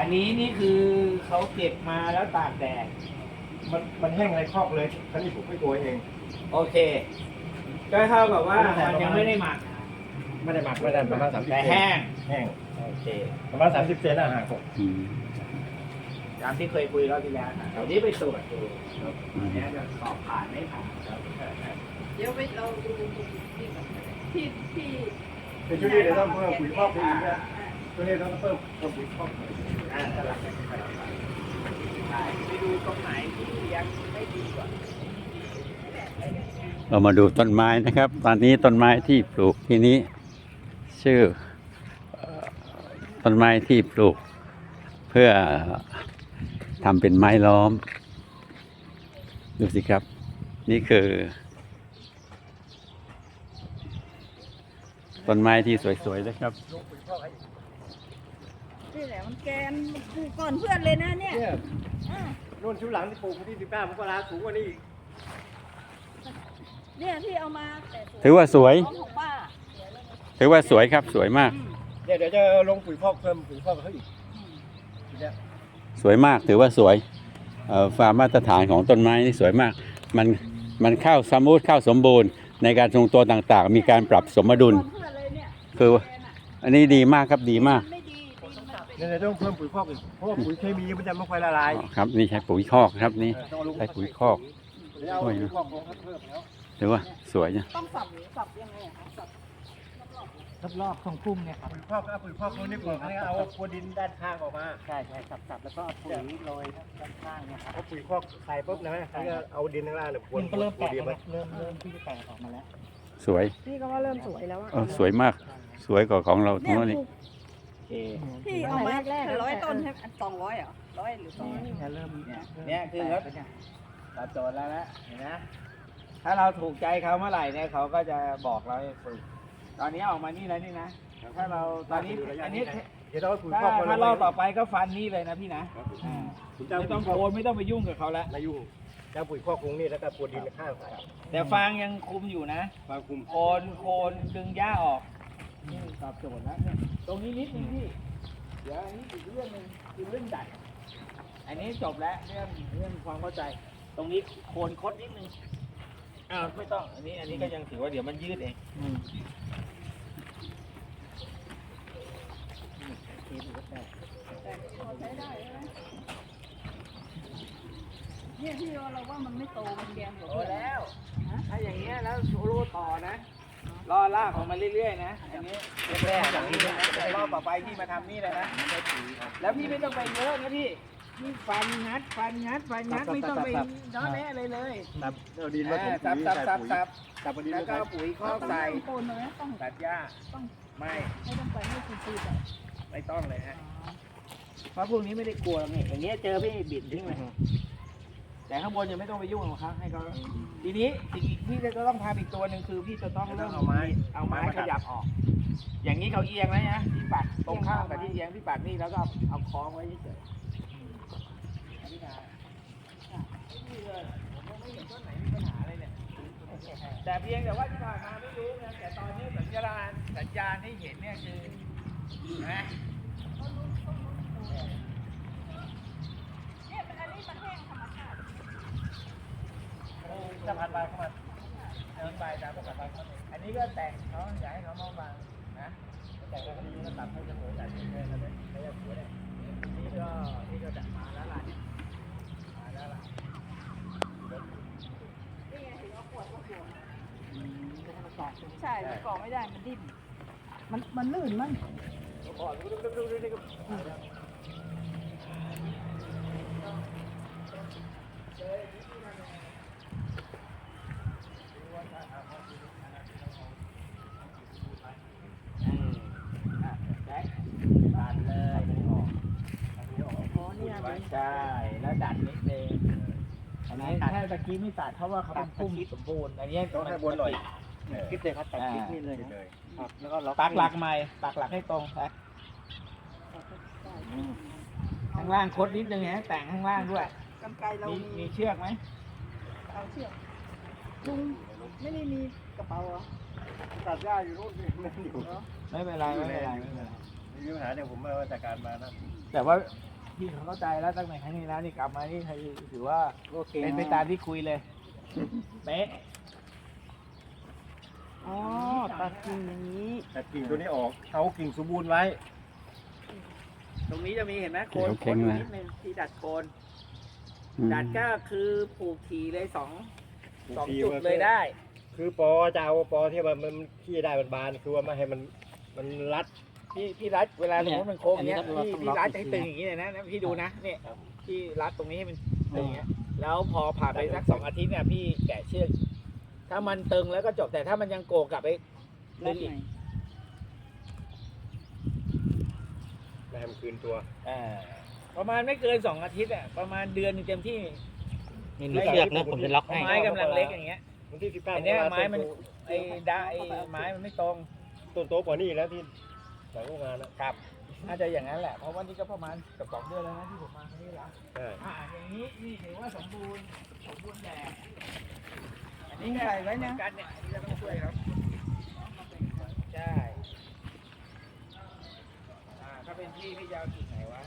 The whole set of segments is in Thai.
อันนี้นี่คือเขาเก็บมาแล้วตากแดดมันแห้งในคอกเลยท่านี้ผมไม่ตัวเองโอเค ก็เท่ากับว่ามันยังไม่ได้หมักไม่ได้หมักไม่ได้ประมาณ30 แต่เซนแห้งแห้งโอเคประมาณ30 เซนห่างผมตามที่เคยคุยรอบที่แล้วนะเดี๋ยวนี้ไปตรวจดูอันนี้จะสอบผ่านไม่ผ่านครับเดี๋ยวไปเราดูที่เป็นช่วงนี้เดี๋ยวต้องเพิ่มปุ๋ยคอกไปอีกเนี่ยช่วงนี้ต้องเพิ่มปุ๋ยคอกสลับกันไปไปดูตรงไหนที่ยังไม่ดีกว่าเรามาดูต้นไม้นะครับ ตอนนี้ต้นไม้ที่ปลูกที่นี้ชื่อต้นไม้ที่ปลูกเพื่อทำเป็นไม้ล้อมดูสิครับนี่คือต้นไม้ที่สวยๆนะครับนี่แหละมันแกนปลูกก่อนเพื่อนเลยนะเนี่ยเนี่ยนู่นชุดหลังที่ปลูกวันที่19 มกราสูงกว่านี้อีกเนี่ยที่เอามาแต่ถือว่าสวยของป้าถือว่าสวยครับสวยมากเดี๋ยวจะลงปุ๋ยคอกเพิ่มปุ๋ยคอกเขาอีกเนี่ยสวยมากถือว่าสวยความมาตรฐานของต้นไม้นี่สวยมากมันเข้าสมูทเข้าสมบูรณ์ในการทรงตัวต่างๆ มีการปรับสมดุลเพื่อนเลยเนี่ยคืออันนี้ดีมากครับดีมากไม่ดีดินมันเป็นเนี่ยต้องเพิ่มปุ๋ยคอกอีกเพราะว่าปุ๋ยเคมีมันจะไม่ค่อยละลายครับนี่ใช้ปุ๋ยคอกครับนี่ต้องเอาลงใช้ปุ๋ยคอกเดี๋ยวเอาปุ๋ยคอกลงเพิ่มแล้วถือว่าสวยนะต้องสับยังไงอะคะสับรอบๆของพุ่มเนี่ยครับปุ๋ยคอกก็เอาปุ๋ยคอกลงนี่ปลูกให้เอาครัวดินด้านข้างออกมาใช่สับแล้วก็เอาปุ๋ยโรยด้านข้างเนี่ยครับเอาปุ๋ยคอกใส่ปุ๊บนะแล้วก็เอาดินข้างล่างเนี่ยพรวนมันก็เริ่มแตกดินแล้วเริ่มที่จะแตกออกมาแล้วสวยพี่ก็ว่าเริ่มสวยแล้วอะสวยมากสวยกว่าของเราทั้เนี่งยนั้นนี่ปลูกโอเคพี่เอามา100 ต้นใช่ไหม200เหรอ100หรือ200 เนี่ยเริ่มเนี่ยคือเขาตอบโจทย์แล้วนะเห็นไหมถ้าเราถูกใจเขาเมื่อไหร่เนี่ยเขาก็จะบอกเราให้ฝึกตอนนี้ออกมานี่แล้วนี่นะถ้าเราตอนนี้อันนี้เดี๋ยวเราเอาปุ๋ยถ้าคอกมาถ้ารอบต่อไปก็ฟันนี่เลยนะพี่นะอ่าผมจะเอาไม่ปุ๋ต้อย งคอกโคนไม่ต้องไปยุ่งกับเขาแล้วมายุ่งจะเอาปุ๋ยคอกลงนี่แล้วก็พรวนดินข้างใส่แต่ฟางยังคุมอยู่นะฟางคุมโคนดึงหญ้าออกนี่ตอบโจทย์แล้วเนี่ยตรงนี้นิดนึงพี่เดี๋ยวอันนี้อีกเรื่องหนึ่งคือเรื่องดัดอันนี้จบแล้วเรื่องความเข้าใจ ตรงนี้โคนคดนิดนึงอ้าวไม่ต้องอันนี้ก็ยังถือว่าเดี๋ยวมันยืดเองใช้ได้ใช่ไหมเนี่ยพี่เราว่ามันไม่โตมันแกนกว่าโตเพื่อนแล้วถ้าอย่างเงี้ยแล้วโชโลต่อนะรอลากออกมาเรื่อยๆนะอันนี้แรกๆอย่างนี้นะแต่รอบต่อไปพี่มาทำนี่เลยนะแล้วพี่ไม่ต้องไปเยอะนะพี่ฟันงัดไม่ต้องไปย้อนแน่เลยเลยตับเอาดินมาถมสัปุ๋บยสับใส่สับปุ๋ยสับตับเอาดินแล้วมาก็ใส่เอาปุ๋ยคอกใส่โคนเลยต้องตัดหญ้าต้องไม่ไม่ต้องไปให้ซีๆแบบไม่ต้องเลยฮะเพราะพวกนี้ไม่ได้กลัวหรอกนี่อย่างเงี้ยเจอพี่บิดทิ้งเลยแต่ข้างบนยังไม่ต้องไปยุ่งหรอกครับให้เขาทีนี้สิ่งที่จะต้องทำอีกตัวหนึ่งคือพี่จะต้องเริ่มเอาไม้ขยับออก อย่างนี้เขาเอียงแล้วนะพี่ปัดตรงข้ามกับที่เอียงพี่ปัดนี่แล้วก็เอาคล้องไว้เฉยๆนี่นะนี่เลยผมยังไม่เห็นต้นไหนมีปัญหาอะไรเนี่ยแต่เพียงแต่ว่าที่ผ่านมาไม่รู้นะแต่ตอนนี้สัญญาณที่เห็นเนี่ยคือนะเนี่ยอันนี้มันแห้งธรรมชาติจะพันใบเข้ามาเดินไปตามปกติเขาอันนี้ก็แต่งเขาอยากให้เขามาฟังนะแต่งแล้วก็นี้ก็ตัดให้เสมอแต่ที่เลยนะไม่ได้สวยเลยนี่ก็จะมาแล้วล่ะมาแล้วล่ะนี่ไงถึงเอาขวดมาขวดใช่มันเกาะไม่ได้มันดิ้นมันลื่นมั้งก่อนดูแจ็คตัดเลยออกอ๋อเนี่ยใช่แล้วดัดนิดนึงอันนี้แค่ตะกี้ไม่ตัดเพราะว่าเขาเป็นพุ่มสมบูรณ์อันนี้ต้องให้บนหน่อยคิดเลยครับตัดคิดนี่เลยเลยแล้วก็ปักหลักใหม่ปักหลักให้ตรงครับข้างล่างคดนิดนึงนะแต่งข้างล่างด้วยกำไกเรามีเชือกไหมเอาเชือกลุงไม่ได้มีกระเป๋าเหรอตัดหญ้าอยู่นู่นนี่นั่นอยู่ไม่เป็นไรไม่เป็นไรมีปัญหาเดี๋ยวผมมาจัดการมานะแต่ว่าพี่เขาเข้าใจแล้วตั้งแต่ครั้งนี้แล้วนี่กลับมานี่ถือว่าโอเคเป็นไปตามที่คุยเลยเป๊ะอ๋อตัดกิ่งอย่างนี้แต่กิ่งตัวนี้ออกเอากิ่งสมบูรณ์ไว้ตรงนี้จะมีเห็นไหมโคนเข็งๆนะนิดนึงที่ดัดโคนอืมดัดก็คือปลูกทีเลยสองปลูกทีจุดว่าเลยได้คือปอจะเอาปอที่มันขี้ได้มันบานคือว่าไม่ให้มันรัดพี่รัดเวลาสมมติมันโค้งเนี้ยอันนี้พี่ต้องล็อกรัดอีกให้ทีตึงอย่างนี้เลยนะพี่ดูนะเนี่ยพี่รัดตรงนี้ให้มันตึงอย่างเงี้ยแล้วพอผ่านไปสัก2 อาทิตย์เนี่ยพี่แกะเชือกถ้ามันตึงแล้วก็จบแต่ถ้ามันยังโกกลับไปรัดึดงใหอีกม่ไม่ให้มันคืนตัวประมาณไม่เกิน2 อาทิตย์อ่ะประมาณเดือนหนึงเต็มที่นี่มีเชือกนะผมจะล็อกให้ไม้กำลังเล็กอย่างเงี้ยวันที่19 อันเนี้ยไม้มันไอ้ไม้มันไม่ตรงต้นโตกว่านี้แล้วที่หลังโรงงานนะครับน่าจะอย่างนั้นแหละเพราะว่านี่ก็ประมาณเกือบ2 เดือนแล้วนะที่ผมมาที่นี่แล้วใช่อย่างนี้นี่ถือว่าสมบูรณ์แบบอันนี่นี้ใส่ไว้นะกันเนี่ยอันนี้เราต้องช่วยครับใช่ถ้าเป็นพี่จะเอาจุดไหนวะ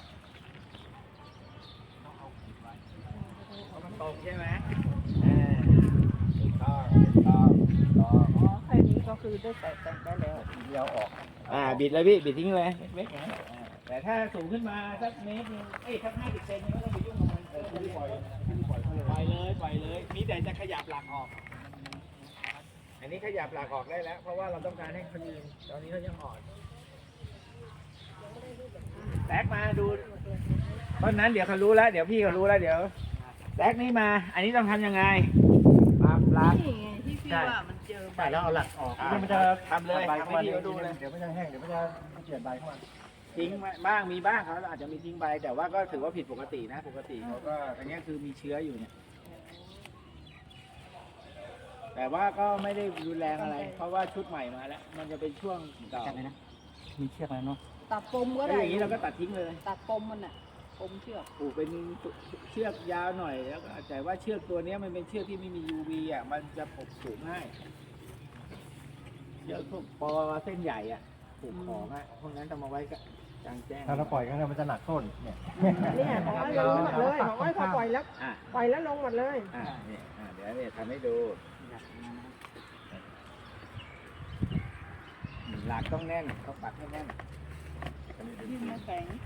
ต้องเอาจุดไว้เพราะมันตรงใช่ไหมถูกต้องถูกต้องถูกต้องอ๋อแค่นี้ก็คือได้แต่งได้แล้วเดียวออกบิดเลยพี่บิดทิ้งเลยเล็กๆอย่างนั้นแต่ถ้าสูงขึ้นมาสักเมตรนึงสัก50 เซนไม่ต้องไปยุ่งกับมันปล่อยเลยมีแต่จะขยับหลักออก อันนี้ขยับหลักออกได้แล้ว เพราะว่าเราต้องการให้เขายืนตอนนี้เขายังอ่อนแซกมาดูต้นนั้นเดี๋ยวเขารู้แล้วเดี๋ยวพี่เขารู้แล้วเดี๋ยวแซกนี่มา อันนี้ต้องทำยังไงปั๊บลักนี่ไงที่พี่ว่ามันเจอใบใช่แล้วเอาหลักออกอ่าเดี๋ยวมันจะทำเลยใบทำให้เข้ามาพี่เขาดูเลยเดี๋ยวมันจะแห้งเดี๋ยวมันจะเปลี่ยนใบเข้ามาทิ้งบ้างมีบ้างเขาอาจจะมีทิ้งใบแต่ว่าก็ถือว่าผิดปกตินะปกติเขาก็อันนี้คือมีเชื้ออยู่เนี่ย แต่ว่าก็ไม่ได้รุนแรงอะไร เพราะว่าชุดใหม่มาแล้ว มันจะเป็นช่วงเก่าจับเลยนะ มีเชือกแล้วเนาะตัดปมก็แล้วได้อย่างนี้เราก็ตัดทิ้งเลยตัดปมมันอ่ะปมเชือกปลูกเป็นเชือกยาวหน่อยแล้วก็แต่ว่าเชือกตัวเนี้ยมันเป็นเชือกที่ไม่มี UV อ่ะมันจะปลูกง่ายเชือกพวกปอเส้นใหญ่อ่ะปลูกของอ่ะพวกนั้นต้องมาไว้กลางแจ้งถ้าเราปล่อยกันมันจะหนักต้นเนี่ยเนี่ยของไอ้ลงหมดเลยของไอ้พอปล่อยแล้วอ่ะปล่อยแล้วลงหมดเลยเนี่ยเดี๋ยวเนี่ยทำให้ดูหลักต้องแน่นต้องปักให้แน่นดิ้นไม่แข็ง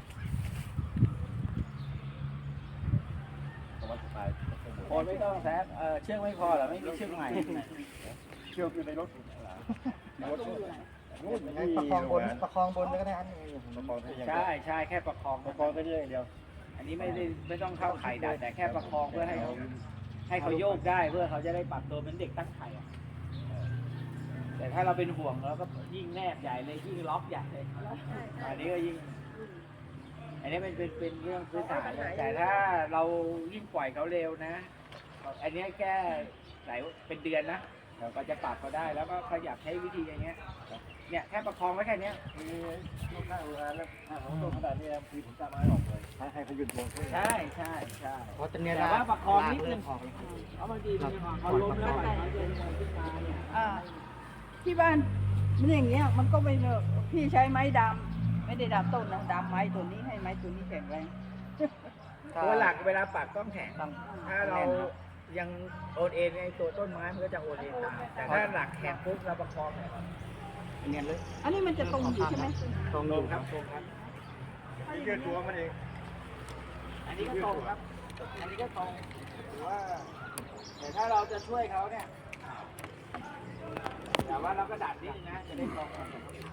โอนไม่ต้องแซกเชือกไม่พอเหรอไม่มีเชือกใหม่เชือกอยู่ในรถในรถตู้อยู่ไหนนู่นประคองบนก็ได้อันนี้ประคองได้อย่างเดียวใช่แค่ประคองประคองได้อย่างเดียวอันนี้ไม่ต้องเข้าไข่ดัดแต่แค่ประคองเพื่อให้เขาโยกได้เพื่อเขาจะได้ปรับตัวเป็นเด็กตั้งไข่อะแต่ถ้าเราเป็นห่วงเราก็ยิ่งแนบใหญ่เลยยิ่งล็อกใหญ่เลยอันนี้ก็ยิ่ง อันนี้เป็นเรื่องพื้นฐานเลยแต่ถ้าเรายิ่งปล่อยเขาเร็วนะ อันนี้แค่หลายเป็นเดือนนะเราก็จะปรับเขาได้แล้วก็ขยับใช้วิธีอย่างเงี้ยเนี่ยแค่ประคองไว้แค่เนี้ยคือลูกค้าโรงงานแล้วถ้าของต้นขนาดนี้คือผมจะไม้ออกเลยให้เขาหยุดตัวขึ้นใช่เพราะตอนนี้แต่ว่าประคองนิดนึงออกแล้วเพราะบางทีมันเขาล้มแล้วปล่อยเขาเดินขึ้นมาเนี่ยที่บ้านมันอย่างเงี้ยมันก็ไม่เลิกพี่ใช้ไม้ดำไม่ได้ดำต้นนะดำไม้ตัวนี้ให้ไม้ตัวนี้แข็งแรงตัวหลักเวลาปักต้องแข็งถ้าเรายังโอนเอ็นในตัวต้นไม้มันก็จะโอนเอ็นตามแต่ถ้าหลักแข็งปุ๊บเราประคองเนี่ยเนียนเลยอันนี้มันจะตรงอยู่ใช่ไหมตรงตอรงยู่ครับตรงครับยืดตัวมันเองอันนี้ก็ตรงครับ อันนี้ก็ตรงหรือว่า แต่ถ้าเราจะช่วยเขาเนี่ยแต่ว่าเราก็ดัดนิดนึงนะจะได้ตรงกัน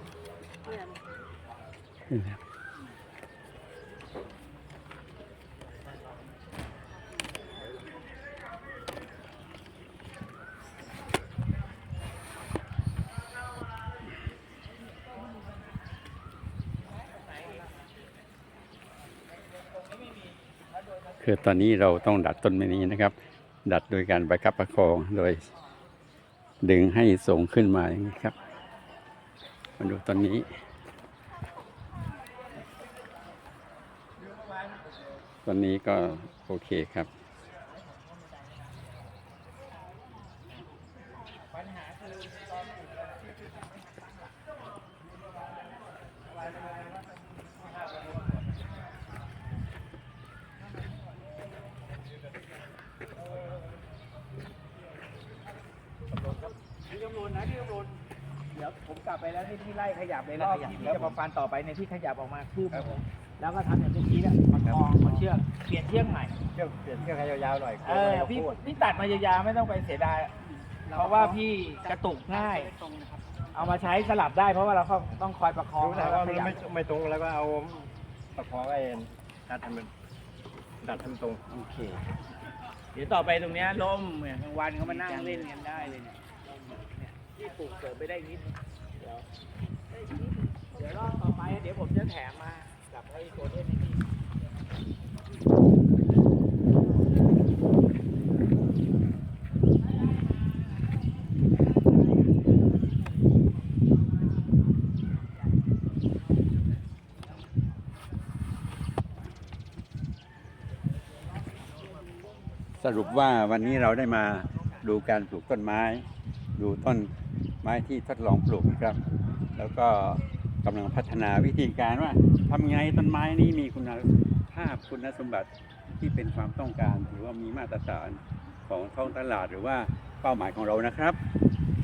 คือตอนนี้เราต้องดัดต้นไม้นี้นะครับ ดัดโดยการประคับประคองโดยดึงให้สูงขึ้นมาอย่างนี้ครับ มาดูตอนนี้ ตอนนี้ก็โอเคครับปัญหาคือตอนปลูกอะผมกลับไปแล้วที่พี่ไล่ขยับเลยรอบที่พี่จะมาฟันต่อไปเนี่ยที่ขยับออกมาคืบนึงแล้วก็ทำอย่างเมื่อกี้เนี่ยประคองเอาเชือกเปลี่ยนเชือกใหม่เปลี่ยนเชือกให้ยาวๆหน่อยพี่ตัดมายาวๆไม่ต้องไปเสียดายเพราะว่าพี่กระตุกง่ายตรงนะครับเอามาใช้สลับได้เพราะว่าเราต้องคอยประคองรู้แต่ว่ามันไม่ตรงแล้วก็เอาประคองไอ้ดัดให้มันตรงโอเคเดี๋ยวต่อไปตรงเนี้ยล่มเนี่ยกลางวันเขามานั่งเล่นกันได้เลยเนี่ยล่มเนี่ยที่ปลูกเสริมไปได้นิดเดี๋ยวรอบต่อไปเดี๋ยวผมจะแถมมากับไอ้โกลเด้นให้พี่สรุปว่าวันนี้เราได้มาดูการปลูกต้นไม้ ดูต้นไม้ที่ทดลองปลูกนะครับ แล้วก็กำลังพัฒนาวิธีการว่าทำไงต้นไม้นี้มีคุณภาพคุณสมบัติที่เป็นความต้องการหรือว่ามีมาตรฐานของท้องตลาดหรือว่าเป้าหมายของเรานะครับ